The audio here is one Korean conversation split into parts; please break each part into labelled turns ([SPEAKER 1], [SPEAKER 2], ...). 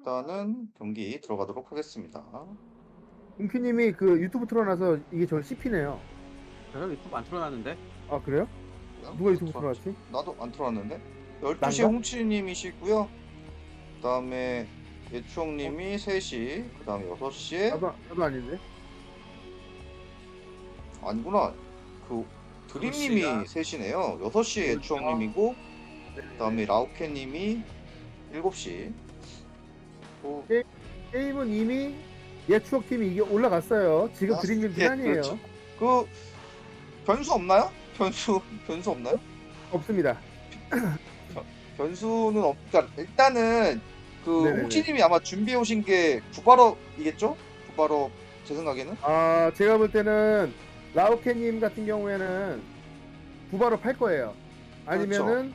[SPEAKER 1] 일단은 경기 들어가도록 하겠습니다.
[SPEAKER 2] 은큐님이 그 유튜브 틀어놔서 이게 저를 씹히네요.
[SPEAKER 3] 저는 유튜브 안 틀어놨는데.
[SPEAKER 2] 아 그래요? 누가 유튜브 틀어놨지?
[SPEAKER 1] 나도 안 틀어놨는데? 12시에
[SPEAKER 2] 난가?
[SPEAKER 1] 홍치님이시고요. 그 다음에 예추형님이 3시, 그 다음에 6시에
[SPEAKER 2] 나도 아닌데.
[SPEAKER 1] 아니구나. 그 드림님이
[SPEAKER 3] 시간.
[SPEAKER 1] 3시네요. 6시에 예추형님이고 그 다음에 라우케님이 7시. 또
[SPEAKER 2] 게임은 이미 옛 추억팀이 이게 올라갔어요. 지금
[SPEAKER 1] 아,
[SPEAKER 2] 드림님
[SPEAKER 1] 예,
[SPEAKER 2] 비난이에요.
[SPEAKER 1] 그렇죠. 그 변수 없나요? 변수 없나요?
[SPEAKER 2] 없습니다.
[SPEAKER 1] 변수는 그러니까 일단은 그
[SPEAKER 2] 네네네.
[SPEAKER 1] 홍치님이 아마 준비해 오신 게 구바럽이겠죠? 구바럽 제 생각에는.
[SPEAKER 2] 아 제가 볼 때는 라오케님 같은 경우에는 부바로 팔 거예요. 아니면은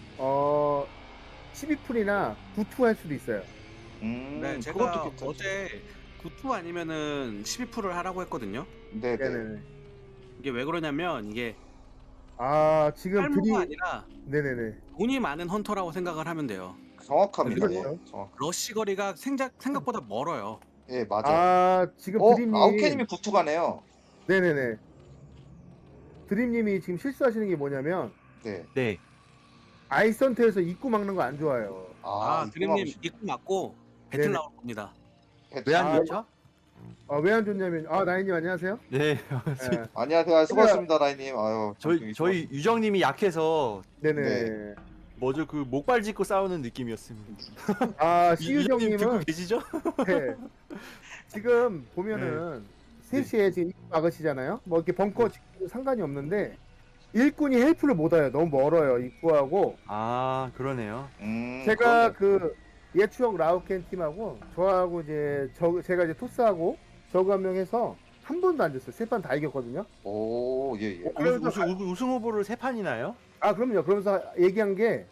[SPEAKER 2] 12풀이나 9투 할 수도 있어요.
[SPEAKER 3] 네,
[SPEAKER 1] 그것도
[SPEAKER 3] 제가
[SPEAKER 1] 괜찮죠.
[SPEAKER 3] 어제 9투 아니면은 12%를 하라고 했거든요.
[SPEAKER 1] 네네.
[SPEAKER 2] 네네네.
[SPEAKER 3] 이게 왜 그러냐면 이게
[SPEAKER 2] 아 지금
[SPEAKER 3] 탈모가 아니라
[SPEAKER 2] 네네네.
[SPEAKER 3] 돈이 많은 헌터라고 생각을 하면 돼요.
[SPEAKER 1] 정확합니다.
[SPEAKER 2] 그렇죠.
[SPEAKER 1] 예, 정확.
[SPEAKER 3] 러쉬 거리가 생각보다 멀어요.
[SPEAKER 1] 예, 맞아요.
[SPEAKER 2] 아 지금 드림님
[SPEAKER 1] 아우케님이 구투가네요.
[SPEAKER 2] 네네네. 드림님이 지금 실수하시는 게 뭐냐면
[SPEAKER 1] 네.
[SPEAKER 4] 네.
[SPEAKER 2] 아이선트에서 입구 막는 거 안 좋아요.
[SPEAKER 3] 아, 드림님 입구 맞고 배틀
[SPEAKER 2] 네네.
[SPEAKER 3] 나올 겁니다.
[SPEAKER 4] 왜 안
[SPEAKER 2] 아,
[SPEAKER 4] 좋죠?
[SPEAKER 2] 왜 안 좋냐면 나인님 안녕하세요.
[SPEAKER 4] 네.
[SPEAKER 2] 예.
[SPEAKER 1] 안녕하세요. 수고하셨습니다, 라이님. 아유,
[SPEAKER 4] 저희 유정님이 약해서
[SPEAKER 2] 네네.
[SPEAKER 1] 네.
[SPEAKER 4] 뭐죠 그 목발 짚고 싸우는 느낌이었습니다.
[SPEAKER 2] 아
[SPEAKER 4] 유정님 듣고
[SPEAKER 2] 시유정님은
[SPEAKER 4] 계시죠?
[SPEAKER 2] 네. 지금 보면은 3시에 지금 입구 막으시잖아요. 뭐 이렇게 벙커 짓고 상관이 없는데 일꾼이 헬프를 못 와요. 너무 멀어요 입구하고.
[SPEAKER 4] 아 그러네요.
[SPEAKER 2] 제가
[SPEAKER 1] 그러네.
[SPEAKER 2] 그 예추형 라우켄 팀하고 저하고 이제 제가 이제 토스하고 저거 한 명 해서 한 번도 안 졌어요. 3판 다 이겼거든요.
[SPEAKER 1] 오, 예, 예.
[SPEAKER 4] 우승 후보를 3판이나요?
[SPEAKER 2] 아 그럼요. 그러면서 얘기한 게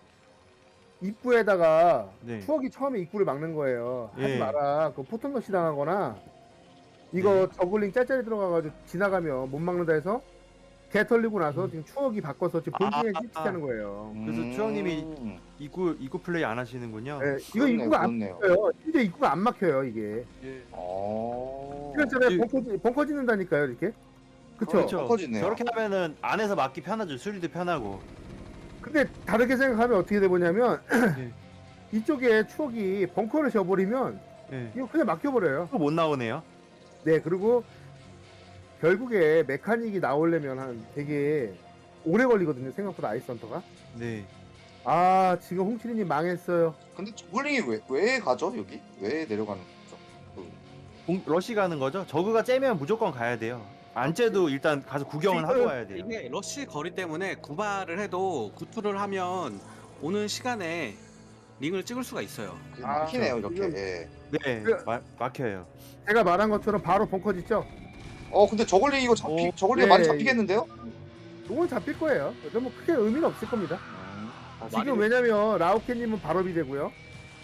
[SPEAKER 2] 입구에다가
[SPEAKER 4] 네.
[SPEAKER 2] 추억이 처음에 입구를 막는 거예요. 하지
[SPEAKER 4] 예.
[SPEAKER 2] 마라. 그 포통러시 당하거나 이거 저글링 짤짤이 들어가가지고 지나가면 못 막는다 해서 개 털리고 나서 지금 추억이 바꿔서 지금 본진에 실시하는 거예요.
[SPEAKER 4] 그래서 추억님이 입구 플레이 안 하시는군요.
[SPEAKER 2] 네, 이거
[SPEAKER 1] 그렇네요,
[SPEAKER 2] 입구가 안
[SPEAKER 1] 그렇네요.
[SPEAKER 2] 막혀요. 진짜 입구가 안 막혀요 이게.
[SPEAKER 4] 예.
[SPEAKER 2] 시간짜리
[SPEAKER 4] 이-
[SPEAKER 2] 벙커 짓는다니까요 이렇게. 그쵸?
[SPEAKER 4] 그렇죠.
[SPEAKER 1] 커지네요.
[SPEAKER 4] 저렇게 하면은 안에서 막기 편하죠. 수리도 편하고.
[SPEAKER 2] 근데 다르게 생각하면 어떻게 되냐면
[SPEAKER 4] 예.
[SPEAKER 2] 이쪽에 추억이 벙커를 져버리면
[SPEAKER 4] 예.
[SPEAKER 2] 이거 그냥 막혀버려요.
[SPEAKER 4] 또 못 나오네요.
[SPEAKER 2] 네, 그리고 결국에 메카닉이 나오려면 한 되게 오래 걸리거든요. 생각보다 아이스헌터가.
[SPEAKER 4] 네.
[SPEAKER 2] 아 지금 홍치리님 망했어요.
[SPEAKER 1] 근데 저글링이 왜 가죠, 여기? 왜 내려가는 거죠?
[SPEAKER 4] 러시 가는 거죠? 저그가 째면 무조건 가야 돼요. 안 째도 일단 가서 구경은 하고 와야 돼요.
[SPEAKER 3] 이게 러쉬 거리 때문에 구발을 해도 구투를 하면 오는 시간에 링을 찍을 수가 있어요.
[SPEAKER 1] 그게 막히네요, 이렇게.
[SPEAKER 2] 지금-
[SPEAKER 1] 예.
[SPEAKER 4] 네.
[SPEAKER 2] 그-
[SPEAKER 4] 막혀요.
[SPEAKER 2] 제가 말한 것처럼 바로 벙커 짓죠.
[SPEAKER 1] 근데 저글링 이거 저글링
[SPEAKER 2] 네.
[SPEAKER 1] 많이 잡히겠는데요?
[SPEAKER 2] 이건 잡힐 거예요. 그래서 뭐 크게 의미는 없을 겁니다. 지금
[SPEAKER 3] 많이-
[SPEAKER 2] 왜냐면 라우케님은 발업이 되고요.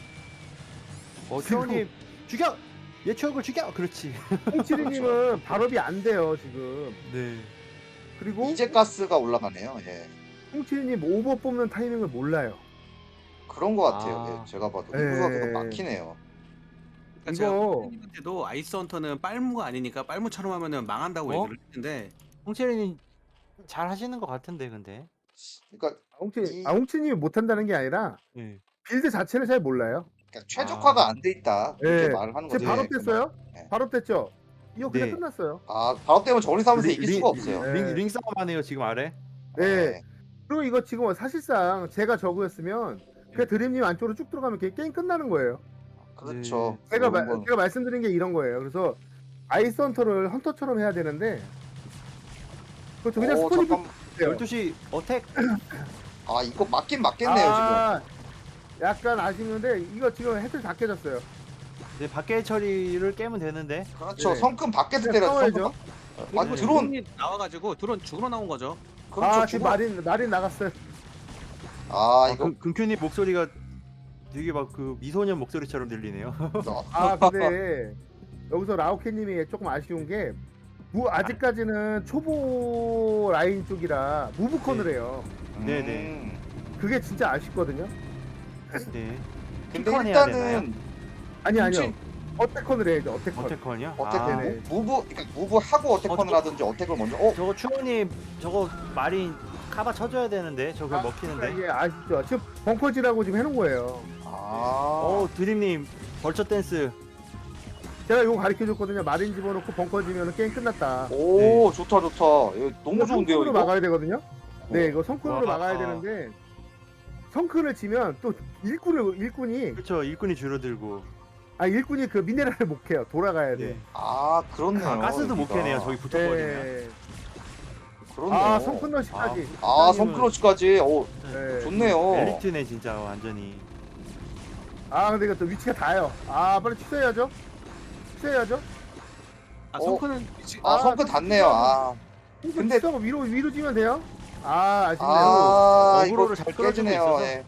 [SPEAKER 4] 추억님 죽여! 얘 추억을 죽여! 그렇지.
[SPEAKER 2] 홍치리님은 발업이 안 돼요 지금.
[SPEAKER 4] 네.
[SPEAKER 2] 그리고
[SPEAKER 1] 이제 가스가 올라가네요. 예.
[SPEAKER 2] 홍치리님 오버 뽑는 타이밍을 몰라요.
[SPEAKER 1] 그런 것 같아요.
[SPEAKER 4] 아.
[SPEAKER 1] 예, 제가 봐도
[SPEAKER 2] 예.
[SPEAKER 1] 이구가 계속 막히네요.
[SPEAKER 3] 그러니까 제가
[SPEAKER 2] 이거-
[SPEAKER 3] 선생님한테도 아이스 헌터는 빨무가 아니니까 빨무처럼 하면은 망한다고
[SPEAKER 4] 어?
[SPEAKER 3] 얘기를 했는데
[SPEAKER 4] 홍채린이 잘 하시는 것 같은데 근데.
[SPEAKER 1] 그러니까,
[SPEAKER 2] 홍치님이 못한다는 게 아니라
[SPEAKER 4] 네.
[SPEAKER 2] 빌드 자체를 잘 몰라요.
[SPEAKER 1] 최적화가 안 돼 있다. 이렇게
[SPEAKER 2] 예.
[SPEAKER 1] 말을 하는 거죠.
[SPEAKER 2] 제 발업됐어요?
[SPEAKER 1] 네.
[SPEAKER 2] 발업됐죠? 이거 그냥
[SPEAKER 4] 네.
[SPEAKER 2] 끝났어요.
[SPEAKER 1] 바로 때문에 저글링 싸움에서 이길 수가 없어요.
[SPEAKER 2] 네.
[SPEAKER 4] 링 싸움 하네요 지금 아래.
[SPEAKER 2] 네. 그리고 이거 지금 사실상 제가 저거였으면 그냥 드림님 안쪽으로 쭉 들어가면 게임 끝나는 거예요.
[SPEAKER 1] 그렇죠.
[SPEAKER 2] 제가
[SPEAKER 1] 그런 건-
[SPEAKER 2] 제가 말씀드린 게 이런 거예요. 그래서 아이스 헌터를 헌터처럼 해야 되는데 그렇죠. 그냥 스포니브
[SPEAKER 1] 잠깐.
[SPEAKER 4] 12시 어택.
[SPEAKER 1] 이거 맞긴 맞겠네요,
[SPEAKER 2] 약간 아쉽는데 이거 지금 헤드 다 깨졌어요.
[SPEAKER 4] 네, 밖에 처리를 깨면 되는데.
[SPEAKER 1] 지금. 그렇죠.
[SPEAKER 2] 네.
[SPEAKER 1] 성큼 밖에서
[SPEAKER 2] 그냥
[SPEAKER 1] 때려서
[SPEAKER 2] 싸워야죠.
[SPEAKER 1] 아니, 드론.
[SPEAKER 3] 드론이 나와가지고 드론 죽으러 나온 거죠.
[SPEAKER 1] 그렇죠.
[SPEAKER 2] 지금 마린 나갔어요.
[SPEAKER 1] 이거
[SPEAKER 4] 금큐님 목소리가 되게 막 그 미소년 목소리처럼 들리네요.
[SPEAKER 2] 근데 여기서 라오케님이 조금 아쉬운 게 아직까지는 초보 라인 쪽이라 무브컨을 해요.
[SPEAKER 4] 네네.
[SPEAKER 2] 그게 진짜 아쉽거든요.
[SPEAKER 4] 네.
[SPEAKER 1] 근데
[SPEAKER 4] 핑컨 해야
[SPEAKER 1] 일단은
[SPEAKER 2] 아니요.
[SPEAKER 1] 홍치-
[SPEAKER 2] 어택컨을 해야죠. 어택컨.
[SPEAKER 4] 어택컨이요?
[SPEAKER 1] 어택
[SPEAKER 4] 아,
[SPEAKER 2] 네네.
[SPEAKER 1] 무브 하고 어택컨을 하든지 어택을 먼저.
[SPEAKER 4] 저거 추원님 저거 마린 카바 쳐줘야 되는데 저거 먹히는데.
[SPEAKER 2] 이게 아시죠? 지금 벙커지라고 지금 해놓은 거예요.
[SPEAKER 1] 아.
[SPEAKER 4] 드림님 벌처 댄스.
[SPEAKER 2] 제가 이거 가르쳐줬거든요. 마린 집어넣고 벙커지면 게임 끝났다.
[SPEAKER 1] 오 좋다 좋다. 이거 너무 좋은데요
[SPEAKER 2] 성큰으로
[SPEAKER 1] 이거.
[SPEAKER 2] 막아야 되거든요. 네, 이거 성큰으로
[SPEAKER 4] 와.
[SPEAKER 2] 막아야 되는데 성큰을 치면 또 일꾼이
[SPEAKER 4] 그렇죠. 일꾼이 줄어들고.
[SPEAKER 2] 일꾼이 그 미네랄을 못 캐요. 돌아가야 돼.
[SPEAKER 4] 네.
[SPEAKER 1] 아 그렇네요.
[SPEAKER 4] 가스도 못
[SPEAKER 1] 여기가.
[SPEAKER 4] 캐네요. 저기 붙어버리면.
[SPEAKER 2] 네.
[SPEAKER 1] 그렇네요.
[SPEAKER 2] 성큰러시까지.
[SPEAKER 1] 아 성크로치까지. 오
[SPEAKER 2] 네.
[SPEAKER 1] 좋네요.
[SPEAKER 4] 엘리트네 진짜 완전히.
[SPEAKER 2] 근데 이거 또 위치가 다요. 빨리 취소해야죠. 취소해야죠.
[SPEAKER 3] 아 성크는
[SPEAKER 1] 아 성크 닿네요. 아. 근데-
[SPEAKER 2] 근데 취소하고 위로 지면 돼요. 아쉽네요.
[SPEAKER 1] 아 이거
[SPEAKER 4] 어그로를 잘 끌어주고
[SPEAKER 1] 깨지네요.
[SPEAKER 4] 있어서.
[SPEAKER 1] 예.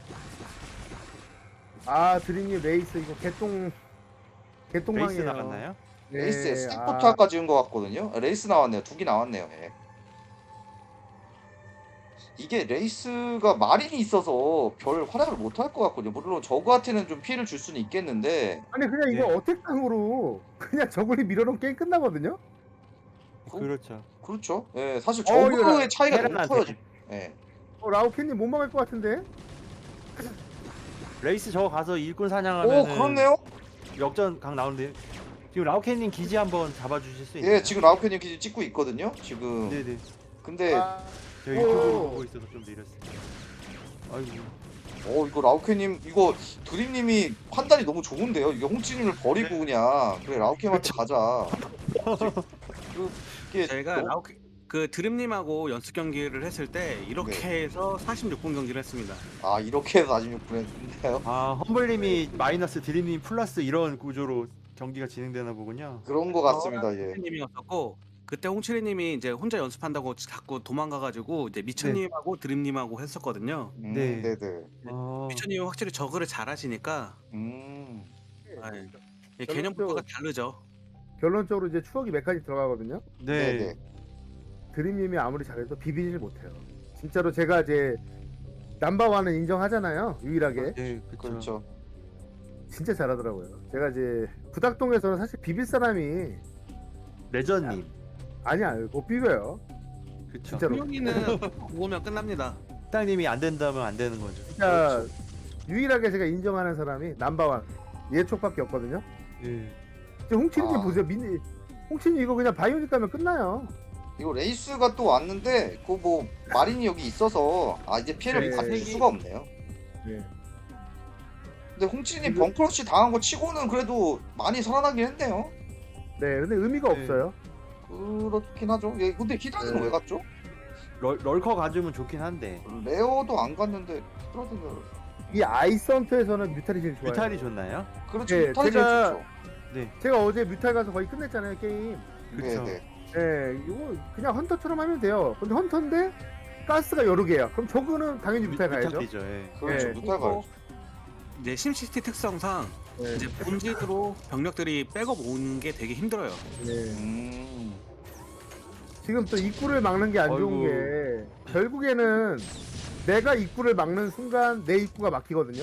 [SPEAKER 2] 드림님 레이스 이거 개똥망이에요.
[SPEAKER 4] 베이스 나갔나요?
[SPEAKER 2] 네,
[SPEAKER 1] 레이스에 스택포트 아까 지은 것 같거든요. 레이스 나왔네요. 2개 나왔네요. 예. 이게 레이스가 마린이 있어서 별 활약을 못 할 것 같거든요. 물론 저그한테는 좀 피해를 줄 수는 있겠는데
[SPEAKER 2] 아니 그냥 이거
[SPEAKER 4] 네.
[SPEAKER 2] 어택당으로 그냥 저걸 밀어놓으면 게임 끝나거든요.
[SPEAKER 4] 그렇죠.
[SPEAKER 1] 그렇죠. 예, 사실
[SPEAKER 2] 이거
[SPEAKER 1] 저그의 차이가 너무
[SPEAKER 4] 테란한테.
[SPEAKER 1] 커요. 지금. 예.
[SPEAKER 2] 라우켄님 못 막을 것 같은데.
[SPEAKER 4] 레이스 저거 가서 일꾼 사냥하면
[SPEAKER 1] 오 그렇네요.
[SPEAKER 4] 역전 각 나오는데 지금 라우켄님 기지 한번 잡아주실 수 있나요?
[SPEAKER 1] 예, 지금 라우케님 기지 찍고 있거든요. 지금.
[SPEAKER 4] 네네.
[SPEAKER 1] 근데
[SPEAKER 4] 저 유튜브로
[SPEAKER 2] 오.
[SPEAKER 4] 보고 있어서 좀 느렸어요. 아이고.
[SPEAKER 1] 이거 라우케님 이거 드림님이 판단이 너무 좋은데요. 이게 홍치님을 버리고 그냥 그래 라우케한테 가자. 이게
[SPEAKER 3] 제가
[SPEAKER 1] 너무-
[SPEAKER 3] 그 드림님하고 연습 경기를 했을 때 이렇게
[SPEAKER 1] 네.
[SPEAKER 3] 해서 46분 경기를 했습니다.
[SPEAKER 1] 이렇게 해서 46분 했는데요.
[SPEAKER 4] 험블님이 마이너스 드림님 플러스 이런 구조로 경기가 진행되나 보군요.
[SPEAKER 1] 그런 것 같습니다. 예.
[SPEAKER 3] 홍치리님이었었고 그때 홍치리님이 이제 혼자 연습한다고 자꾸 도망가가지고 이제 미천님하고 드림님하고 했었거든요.
[SPEAKER 4] 네.
[SPEAKER 1] 네네.
[SPEAKER 3] 미천님은 확실히 저그를 잘하시니까 개념부터가 다르죠.
[SPEAKER 2] 결론적으로 이제 추억이 몇 가지 들어가거든요.
[SPEAKER 4] 네.
[SPEAKER 1] 네네.
[SPEAKER 2] 드림님이 아무리 잘해도 비비질 못해요. 진짜로 제가 이제 남바와는 인정하잖아요. 유일하게
[SPEAKER 4] 네,
[SPEAKER 1] 그렇죠.
[SPEAKER 2] 진짜 잘하더라고요. 제가 이제 부닥동에서는 사실 비빌 사람이
[SPEAKER 4] 레전님.
[SPEAKER 2] 아니야 못 비벼요.
[SPEAKER 4] 그렇죠.
[SPEAKER 2] 진짜로.
[SPEAKER 3] 분명히는 모으면 끝납니다.
[SPEAKER 4] 식당님이 안 된다면 안 되는 거죠.
[SPEAKER 2] 진짜 유일하게 제가 인정하는 사람이 남바완 예촉밖에 없거든요.
[SPEAKER 4] 예.
[SPEAKER 2] 홍치님
[SPEAKER 1] 아.
[SPEAKER 2] 보세요. 홍치님 이거 그냥 바이오닉 가면 끝나요.
[SPEAKER 1] 이거 레이스가 또 왔는데 그 뭐 마린이 여기 있어서 이제 피해를
[SPEAKER 2] 네.
[SPEAKER 1] 받을 수가 없네요.
[SPEAKER 2] 네.
[SPEAKER 1] 근데 홍치님 벙크러시 당한 거 치고는 그래도 많이 살아나긴 했네요.
[SPEAKER 2] 네, 근데 의미가
[SPEAKER 4] 네.
[SPEAKER 2] 없어요.
[SPEAKER 1] 그렇긴 하죠. 예, 근데 히드라는
[SPEAKER 2] 네.
[SPEAKER 1] 왜 갔죠?
[SPEAKER 4] 럴커 가주면 좋긴 한데
[SPEAKER 1] 레어도 안 갔는데 히드라는
[SPEAKER 2] 이 아이선트에서는 뮤탈이 제일 좋아요.
[SPEAKER 4] 뮤탈이 좋나요?
[SPEAKER 1] 그렇죠.
[SPEAKER 2] 네,
[SPEAKER 1] 히드라이
[SPEAKER 2] 제가-
[SPEAKER 1] 제일 좋죠.
[SPEAKER 4] 네.
[SPEAKER 2] 제가 어제 뮤탈 가서 거의 끝냈잖아요 게임.
[SPEAKER 4] 그렇죠.
[SPEAKER 1] 네네.
[SPEAKER 2] 네, 이거 그냥 헌터처럼 하면 돼요. 근데 헌터인데 가스가 여러 개야. 그럼 저거는 당연히 뮤탈 가야죠.
[SPEAKER 4] 뮤탈이죠. 예.
[SPEAKER 1] 그렇죠.
[SPEAKER 2] 네.
[SPEAKER 1] 무탈 가야죠.
[SPEAKER 3] 이제 심시티 특성상
[SPEAKER 2] 네.
[SPEAKER 3] 이제 본질으로 병력들이 백업 오는 게 되게 힘들어요.
[SPEAKER 2] 네.
[SPEAKER 1] 음.
[SPEAKER 2] 지금 또 입구를 막는 게 안 좋은
[SPEAKER 4] 아이고.
[SPEAKER 2] 게 결국에는 내가 입구를 막는 순간 내 입구가 막히거든요.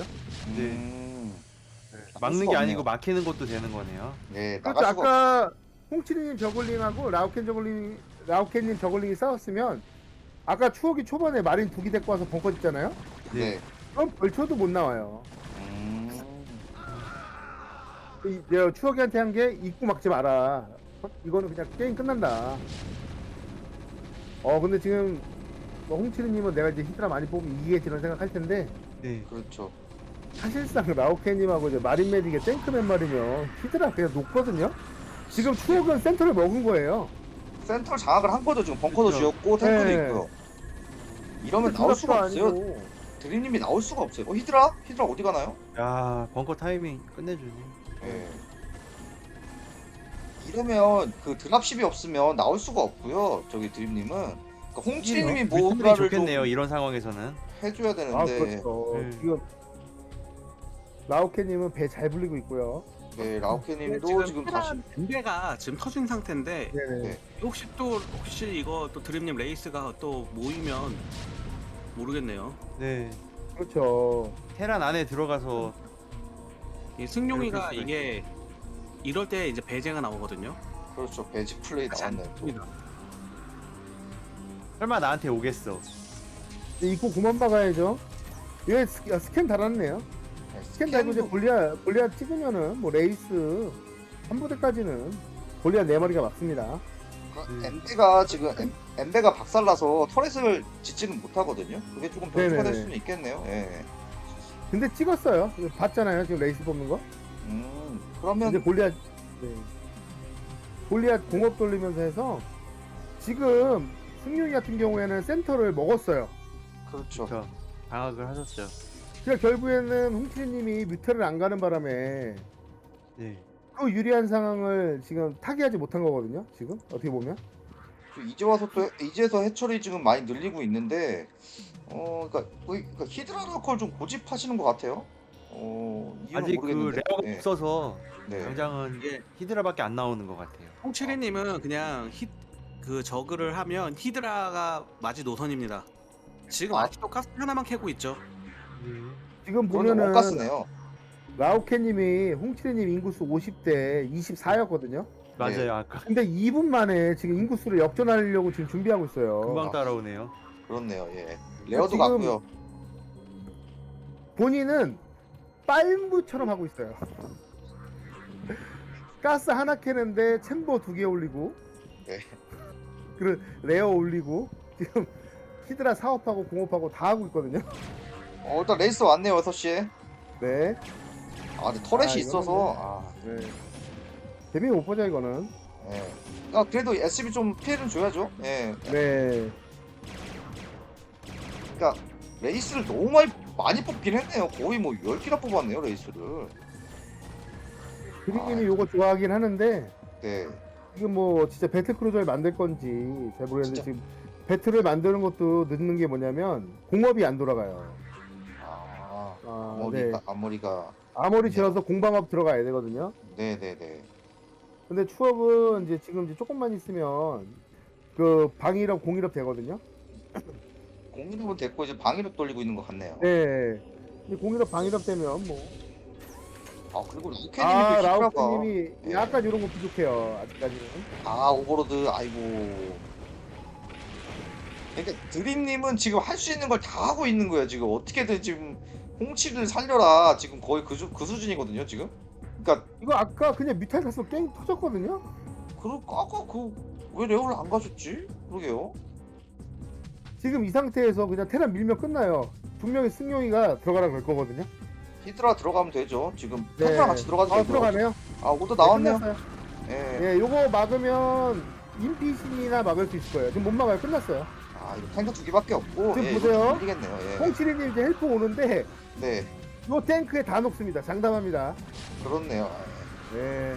[SPEAKER 4] 막는
[SPEAKER 1] 수가
[SPEAKER 4] 게
[SPEAKER 1] 없네요.
[SPEAKER 4] 아니고 막히는 것도 되는 거네요.
[SPEAKER 1] 네,
[SPEAKER 2] 그렇죠.
[SPEAKER 1] 나갈 수가
[SPEAKER 2] 아까 홍치님 저글링하고 라우켄님 저글링이 싸웠으면 아까 추억이 초반에 마린 두기 데리고 와서 벙커 짓잖아요.
[SPEAKER 1] 네.
[SPEAKER 2] 그럼 벌쳐도 못 나와요.
[SPEAKER 1] 음.
[SPEAKER 2] 내가 추억이한테 한 게 입구 막지 마라. 이거는 그냥 게임 끝난다. 근데 지금 홍치리님은 내가 이제 히드라 많이 뽑으면 이기겠지 이런 생각할 텐데
[SPEAKER 4] 네.
[SPEAKER 1] 그렇죠.
[SPEAKER 2] 사실상 라우켄님하고 이제 마린 메딕의 탱크맨 말이면 히드라 그냥 녹거든요. 지금 추억은 센터를 먹은 거예요.
[SPEAKER 1] 센터를 장악을 한 거죠. 지금 벙커도
[SPEAKER 4] 그렇죠.
[SPEAKER 1] 지었고 탱크도
[SPEAKER 2] 네.
[SPEAKER 1] 있고요. 이러면 나올 수가 없어요.
[SPEAKER 2] 아니고.
[SPEAKER 1] 드림님이 나올 수가 없어요. 히드라? 히드라 어디 가나요?
[SPEAKER 4] 야 벙커 타이밍 끝내주네.
[SPEAKER 1] 예. 이러면 그 드랍십이 없으면 나올 수가 없고요. 저기 드림님은 그러니까 홍치님이
[SPEAKER 4] 뮤탈이
[SPEAKER 1] 뭔가를
[SPEAKER 4] 좋겠네요.
[SPEAKER 1] 좀
[SPEAKER 4] 이런 상황에서는.
[SPEAKER 1] 해줘야 되는데
[SPEAKER 2] 그렇죠.
[SPEAKER 4] 네.
[SPEAKER 2] 지금 라우켄님은 배 잘 불리고 있고요.
[SPEAKER 1] 네, 라우케님도 지금 다시
[SPEAKER 3] 밴배가 지금 터진 상태인데
[SPEAKER 2] 네네.
[SPEAKER 1] 네.
[SPEAKER 3] 혹시 이거 또 드림님 레이스가 또 모이면 모르겠네요.
[SPEAKER 4] 네.
[SPEAKER 2] 그렇죠.
[SPEAKER 4] 테란 안에 들어가서
[SPEAKER 3] 이 승용이가
[SPEAKER 4] 그럴 수가
[SPEAKER 3] 이게 이럴 때 이제 배제가 나오거든요.
[SPEAKER 1] 그렇죠. 배지 플레이 나왔네요. 또.
[SPEAKER 3] 않습니다.
[SPEAKER 4] 설마 나한테 오겠어.
[SPEAKER 2] 입구 그만 박아야죠. 얘 스캔 달았네요.
[SPEAKER 1] 네,
[SPEAKER 2] 스캔 달고 이제 골리앗 찍으면은 뭐 레이스 한 부대까지는 골리앗 4마리가 맞습니다.
[SPEAKER 1] 엠베가 지금 엠베가 박살나서 터렛을 짓지는 못하거든요. 그게 조금 변수가 될
[SPEAKER 2] 네네네.
[SPEAKER 1] 수는 있겠네요. 예.
[SPEAKER 2] 근데 찍었어요. 이거 봤잖아요. 지금 레이스 뽑는 거.
[SPEAKER 1] 그러면
[SPEAKER 2] 이제 골리앗 네. 골리앗 공업 돌리면서 해서 지금 승용이 같은 경우에는 센터를 먹었어요.
[SPEAKER 1] 그렇죠.
[SPEAKER 4] 저 방학을 하셨죠.
[SPEAKER 2] 그러니까 결국에는 홍치리님이 뮤테를 안 가는 바람에
[SPEAKER 4] 네.
[SPEAKER 2] 그 유리한 상황을 지금 타개하지 못한 거거든요. 지금 어떻게 보면
[SPEAKER 1] 이제 와서 또 이제서 해처리 지금 많이 늘리고 있는데 그러니까 히드라라콜 좀 고집하시는 것 같아요. 이유는
[SPEAKER 4] 아직 그
[SPEAKER 1] 모르겠는데.
[SPEAKER 4] 레어가
[SPEAKER 1] 예.
[SPEAKER 4] 없어서
[SPEAKER 1] 네.
[SPEAKER 4] 당장은
[SPEAKER 3] 이게
[SPEAKER 4] 히드라밖에 안 나오는 것 같아요.
[SPEAKER 3] 홍치리님은 그냥 그 저그를 하면 히드라가 맞이 노선입니다. 지금
[SPEAKER 1] 아.
[SPEAKER 3] 아직도 가스 하나만 캐고 있죠.
[SPEAKER 2] 지금
[SPEAKER 1] 그건 좀
[SPEAKER 2] 보면은
[SPEAKER 1] 엇갔으네요.
[SPEAKER 2] 라우케님이 홍치리님 인구수 50대 24였거든요.
[SPEAKER 4] 맞아요. 아까
[SPEAKER 2] 근데 2분 만에 지금 인구수를 역전하려고 지금 준비하고 있어요.
[SPEAKER 4] 금방 따라오네요.
[SPEAKER 1] 그렇네요. 예. 레어도
[SPEAKER 2] 지금-
[SPEAKER 1] 같고요.
[SPEAKER 2] 본인은 빨무처럼 하고 있어요. 가스 하나 캐는데 챔버 2개 올리고,
[SPEAKER 1] 네.
[SPEAKER 2] 그리고 레어 올리고, 지금 히드라 사업하고 공업하고 다 하고 있거든요.
[SPEAKER 1] 일단 레이스 왔네요. 6시에.
[SPEAKER 2] 네.
[SPEAKER 1] 근데 터렛이
[SPEAKER 2] 이거는
[SPEAKER 1] 있어서
[SPEAKER 2] 네. 데뷔 못 보자 이거는.
[SPEAKER 1] 예. 그래도 SB 좀 피해를 줘야죠. 예.
[SPEAKER 2] 네.
[SPEAKER 1] 그러니까 레이스를 너무 많이 뽑긴 했네요. 거의 뭐 10개나 뽑았네요, 레이스를.
[SPEAKER 2] 드림님이 요거 좋아하긴 하는데
[SPEAKER 1] 네.
[SPEAKER 2] 지금 뭐 진짜 배틀크루저를 만들 건지 잘 모르겠는데
[SPEAKER 1] 진짜.
[SPEAKER 2] 지금 배틀을 만드는 것도 늦는 게 뭐냐면 공업이 안 돌아가요. 네.
[SPEAKER 1] 앞머리가
[SPEAKER 2] 아무리
[SPEAKER 1] 네.
[SPEAKER 2] 지어서 공방업 들어가야 되거든요.
[SPEAKER 1] 네네네.
[SPEAKER 2] 근데 추업은 이제 지금 이제 조금만 있으면 그 방일업 공일업 되거든요.
[SPEAKER 1] 공일업은 됐고 이제 방일업 돌리고 있는 것 같네요.
[SPEAKER 2] 네. 근데 공일업 방일업 되면 뭐
[SPEAKER 1] 그리고 루케님이
[SPEAKER 2] 라우스님이
[SPEAKER 1] 네.
[SPEAKER 2] 약간 이런 거 부족해요. 아직까지는.
[SPEAKER 1] 오버로드 아이고. 그러니까 드림님은 지금 할 수 있는 걸 다 하고 있는 거예요. 지금 어떻게든 지금 홍치를 살려라. 지금 거의 그 수준이거든요. 지금. 그러니까
[SPEAKER 2] 이거 아까 그냥 뮤탈 가서 게임 터졌거든요.
[SPEAKER 1] 아까 왜 레오를 안 가셨지? 그러게요.
[SPEAKER 2] 지금 이 상태에서 그냥 테란 밀면 끝나요. 분명히 승용이가 들어가라 그럴 거거든요.
[SPEAKER 1] 히드라 들어가면 되죠. 지금
[SPEAKER 2] 네.
[SPEAKER 1] 탱크랑 같이 들어가도 되고.
[SPEAKER 2] 들어가네요.
[SPEAKER 1] 오더 나왔네요.
[SPEAKER 2] 끝났어요.
[SPEAKER 1] 예.
[SPEAKER 2] 예, 요거 막으면 인피신이나 막을 수 있을 거예요. 지금 못 막아요. 끝났어요.
[SPEAKER 1] 이거 탱크 2개밖에 없고.
[SPEAKER 2] 지금
[SPEAKER 1] 예,
[SPEAKER 2] 보세요.
[SPEAKER 1] 이거 이기겠네요. 예.
[SPEAKER 2] 홍치리님 이제 헬프 오는데
[SPEAKER 1] 네.
[SPEAKER 2] 요 탱크에 다 녹습니다. 장담합니다.
[SPEAKER 1] 그렇네요.
[SPEAKER 2] 네.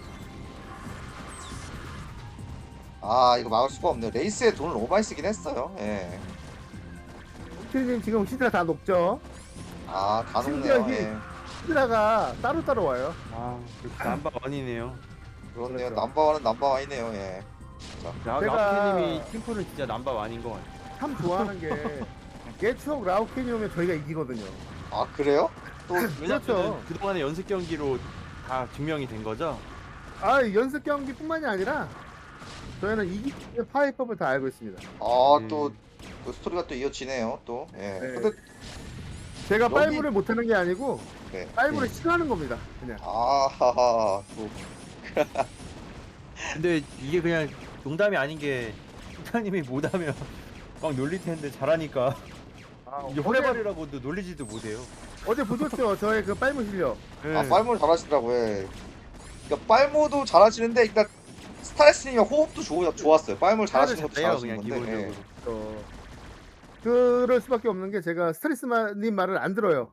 [SPEAKER 1] 이거 막을 수가 없네요. 레이스에 돈을 너무 많이 쓰긴 했어요. 예.
[SPEAKER 2] 홍치리님 지금 히드라 다 녹죠.
[SPEAKER 1] 다
[SPEAKER 2] 심지어
[SPEAKER 1] 녹네요. 예.
[SPEAKER 2] 히드라가 따로 와요.
[SPEAKER 4] 남바 원이네요.
[SPEAKER 1] 그렇네요.
[SPEAKER 2] 그렇죠.
[SPEAKER 1] 넘버원은 넘버원이네요. 예.
[SPEAKER 2] 제가-
[SPEAKER 4] 라우케님이 팀플은 진짜 남바 원인 것 같아요.
[SPEAKER 2] 참 좋아하는 게 예측 라우켄이 오면 저희가 이기거든요.
[SPEAKER 1] 그래요? 또
[SPEAKER 2] 그렇죠.
[SPEAKER 4] 그동안의 연습 경기로 다 증명이 된 거죠.
[SPEAKER 2] 연습 경기뿐만이 아니라 저희는 이기는 파이법을 다 알고 있습니다.
[SPEAKER 1] 또 그 스토리가 또 이어지네요. 또. 예.
[SPEAKER 2] 네.
[SPEAKER 1] 근데
[SPEAKER 2] 제가
[SPEAKER 1] 여기-
[SPEAKER 2] 빨무를 못하는 게 아니고
[SPEAKER 1] 네.
[SPEAKER 2] 빨무를 싫어하는 겁니다. 그냥.
[SPEAKER 1] 또
[SPEAKER 4] 근데 이게 그냥 농담이 아닌 게 팀장님이 못하면 막 놀릴 텐데 잘하니까 이제
[SPEAKER 2] 어제,
[SPEAKER 4] 호레발이라고도 놀리지도 못해요.
[SPEAKER 2] 어제 보셨죠? 저의 그 빨무 실력.
[SPEAKER 4] 네.
[SPEAKER 1] 빨모를 잘하시더라고요. 예. 그러니까 빨모도 잘하시는데 일단 스타레스님의 호흡도 좋았어요. 빨모를 잘하시는 것도
[SPEAKER 4] 잘해요,
[SPEAKER 1] 잘하시는
[SPEAKER 4] 그냥
[SPEAKER 1] 건데. 예.
[SPEAKER 4] 기본적으로.
[SPEAKER 2] 그럴 수밖에 없는 게 제가 스트레스님 말을 안 들어요.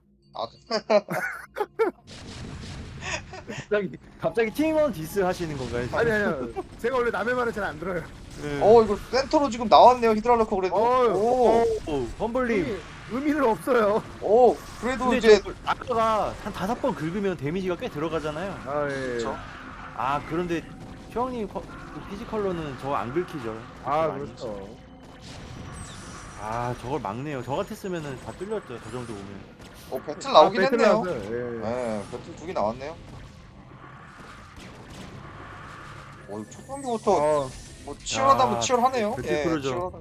[SPEAKER 4] 갑자기 팀원 디스 하시는 건가요? 지금?
[SPEAKER 2] 아니요. 제가 원래 남의 말을 잘 안 들어요.
[SPEAKER 4] 네.
[SPEAKER 1] 이거 센터로 지금 나왔네요. 히드랄로코 그래도.
[SPEAKER 2] 어,
[SPEAKER 4] 험블님.
[SPEAKER 2] 의미는 없어요.
[SPEAKER 1] 그래도
[SPEAKER 4] 근데
[SPEAKER 1] 이제
[SPEAKER 4] 아까가 한 5번 긁으면 데미지가 꽤 들어가잖아요.
[SPEAKER 2] 예.
[SPEAKER 1] 그쵸.
[SPEAKER 4] 그런데 최왕님 피지컬로는 저거 안 긁히죠.
[SPEAKER 2] 그렇죠.
[SPEAKER 4] 저걸 막네요. 저 같았으면은 다 뚫렸죠. 저 정도 보면.
[SPEAKER 1] 배틀 나오긴
[SPEAKER 2] 배틀
[SPEAKER 1] 했네요.
[SPEAKER 2] 나왔어요. 예.
[SPEAKER 1] 네, 배틀 2개 나왔네요. 첫 경기부터
[SPEAKER 2] 어,
[SPEAKER 1] 뭐 치열하다면
[SPEAKER 4] 아,
[SPEAKER 1] 치열하네요.
[SPEAKER 4] 배틀
[SPEAKER 1] 예,
[SPEAKER 4] 크루저.
[SPEAKER 1] 치열하다.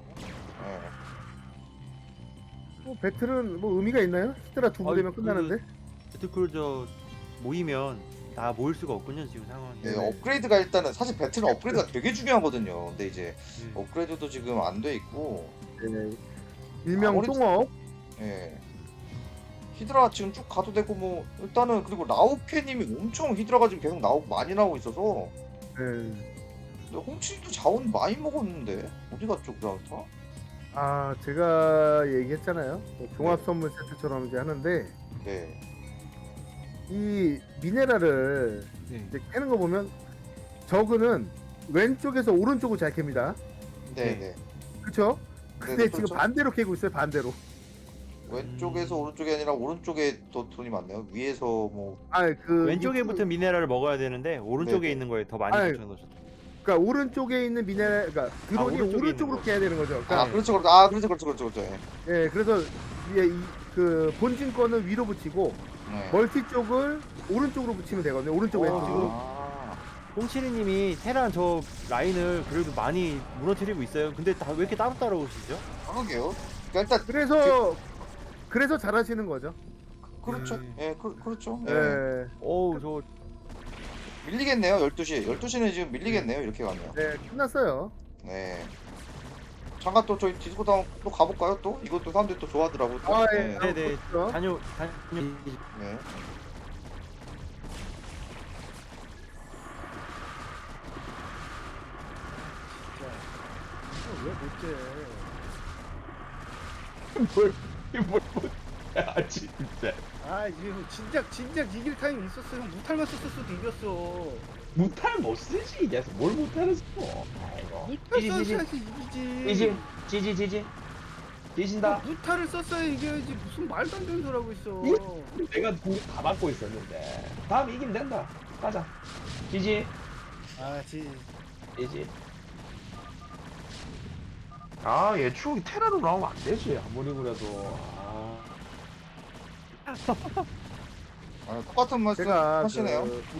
[SPEAKER 2] 배틀은 뭐 의미가 있나요? 히드라 두부
[SPEAKER 4] 아이,
[SPEAKER 2] 되면 끝나는데.
[SPEAKER 4] 배틀크루저 모이면 다 모일 수가 없군요 지금 상황이.
[SPEAKER 1] 예,
[SPEAKER 2] 네네.
[SPEAKER 1] 업그레이드가 일단은 사실 배틀은 업그레이드가 되게 중요하거든요. 근데 이제
[SPEAKER 4] 네.
[SPEAKER 1] 업그레이드도 지금 안 돼 있고,
[SPEAKER 2] 네. 일명
[SPEAKER 1] 아무리-
[SPEAKER 2] 똥업.
[SPEAKER 1] 예. 히드라 지금 쭉 가도 되고 뭐 일단은 그리고 라오케님이 엄청 히드라가 지금 계속 나오고 많이 나오고 있어서
[SPEAKER 2] 네.
[SPEAKER 1] 근데 홍치도 자원 많이 먹었는데 어디 갔죠 그라우터?
[SPEAKER 2] 아 제가 얘기했잖아요. 뭐 종합 선물 세트처럼 이제 하는데
[SPEAKER 1] 네.
[SPEAKER 2] 이 미네랄을
[SPEAKER 3] 네.
[SPEAKER 2] 이제 캐는 거 보면 저그는 왼쪽에서 오른쪽으로 잘 캡니다.
[SPEAKER 1] 네, 네.
[SPEAKER 2] 그렇죠? 근데
[SPEAKER 1] 네,
[SPEAKER 2] 지금
[SPEAKER 1] 그렇죠.
[SPEAKER 2] 반대로 캐고 있어요. 반대로.
[SPEAKER 1] 왼쪽에서 오른쪽이 아니라 오른쪽에 더 돈이 많네요. 위에서 뭐
[SPEAKER 2] 그
[SPEAKER 4] 왼쪽에 붙은 미네랄을 먹어야 되는데 오른쪽에
[SPEAKER 1] 네네.
[SPEAKER 4] 있는 거에 더 많이
[SPEAKER 2] 아니,
[SPEAKER 4] 붙여놓으셨다.
[SPEAKER 2] 그러니까 오른쪽에 있는 미네랄, 그러니까 드론이
[SPEAKER 4] 오른쪽에
[SPEAKER 2] 오른쪽으로
[SPEAKER 4] 있는
[SPEAKER 2] 캐야 되는 거죠. 그러니까
[SPEAKER 1] 아, 그렇죠. 그렇죠. 아, 그렇죠. 그렇죠. 그렇죠. 그렇죠. 예.
[SPEAKER 2] 예, 그래서 이게 그 본진 거는 위로 붙이고
[SPEAKER 1] 네.
[SPEAKER 2] 멀티 쪽을 오른쪽으로 붙이면 되거든요. 오른쪽 왼쪽으로.
[SPEAKER 1] 아.
[SPEAKER 4] 홍치리님이 테란 저 라인을 그래도 많이 무너뜨리고 있어요. 근데 다 왜 이렇게 따로따로 오시죠?
[SPEAKER 1] 그러게요. 그러니까 일단
[SPEAKER 2] 그래서 잘하시는 거죠.
[SPEAKER 1] 그렇죠. 예, 그렇죠. 예.
[SPEAKER 2] 예.
[SPEAKER 4] 어우 저
[SPEAKER 1] 밀리겠네요. 12시. 12시는 지금 밀리겠네요. 이렇게 가면.
[SPEAKER 2] 네, 끝났어요.
[SPEAKER 1] 네. 잠깐 또 저희 디스코드 또 가볼까요? 또 이것도 사람들이 또 좋아하더라고. 또.
[SPEAKER 2] 아,
[SPEAKER 1] 네.
[SPEAKER 2] 예.
[SPEAKER 4] 네네.
[SPEAKER 2] 그렇죠.
[SPEAKER 4] 단요
[SPEAKER 1] 네.
[SPEAKER 2] 왜 못해?
[SPEAKER 5] 아 진짜
[SPEAKER 2] 아, 이거 진작 이길 타임 있었어. 형 무탈만 썼어도 이겼어.
[SPEAKER 5] 무탈 못 쓰지 이제 뭘 무탈을 써 아이고
[SPEAKER 2] 무탈
[SPEAKER 5] 지지,
[SPEAKER 2] 썼어야지 이기지.
[SPEAKER 5] 지지 지진다
[SPEAKER 2] 무탈을 썼어야 이겨야지. 무슨 말도 안 되는 소리 하고 있어.
[SPEAKER 5] 내가 공다 받고 있었는데 다음 이기면 된다 가자 지지
[SPEAKER 2] 아,
[SPEAKER 5] 지지 아얘 추억이 테라로 나오면 안 되지 아무리 그래도
[SPEAKER 1] 똑같은 말씀
[SPEAKER 2] 제가
[SPEAKER 1] 하시네요.
[SPEAKER 2] 그